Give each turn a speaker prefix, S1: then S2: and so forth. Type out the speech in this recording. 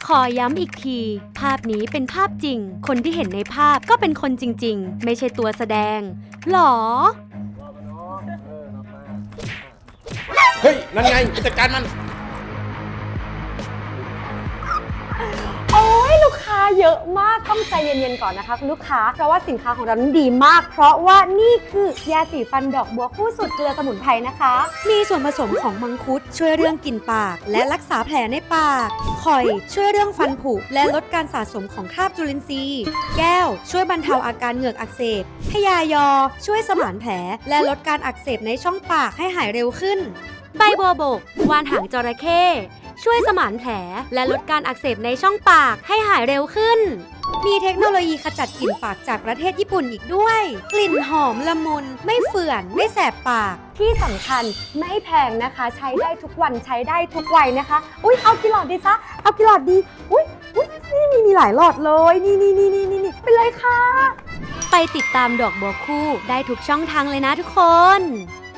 S1: ขอย้ำอีกที ภาพนี้เป็นภาพจริง คนที่เห็นในภาพก็เป็นคนจริงๆ ไม่ใช่ตัวแสดงหรอ
S2: เฮ้ย นั่นไงไปจัดการมัน
S3: โอ้ยลูกค้าเยอะมากต้องใจเย็นๆก่อนนะคะคุณลูกค้าเพราะว่าสินค้าของเรานั้นดีมาก เพราะว่านี่คือยาสีฟันดอกบัวคู่สูตรเกลือสมุนไพรนะคะ
S1: มีส่วนผสมของมังคุดช่วยเรื่องกลิ่นปาก และรักษาแผลในปากข่อยช่วยเรื่องฟันผุและลดการสะสมของคราบจุลินทรีย์แก้วช่วยบรรเทาอาการเหงือกอักเสบพยายอช่วยสมานแผลและลดการอักเสบในช่องปากให้หายเร็วขึ้น ใบบัวบกวานหางจระเข้ช่วยสมานแผลและลดการอักเสบในช่องปากให้หายเร็วขึ้น มีเทคโนโลยีขจัดกลิ่นปากจากประเทศญี่ปุ่นอีกด้วย กลิ่นหอมละมุนไม่เฟื่อนไม่แสบปาก
S3: ที่สำคัญไม่แพงนะคะ ใช้ได้ทุกวันใช้ได้ทุกวัยนะคะอุ๊ยเอากี่หลอดดีจ๊ะเอากี่หลอดดีอุ๊ยนี่มีหลายหลอดเลยนี่ไปเลยค่ะ
S1: ไปติดตามดอกบัวคู่ได้ทุกช่องทางเลยนะทุกคน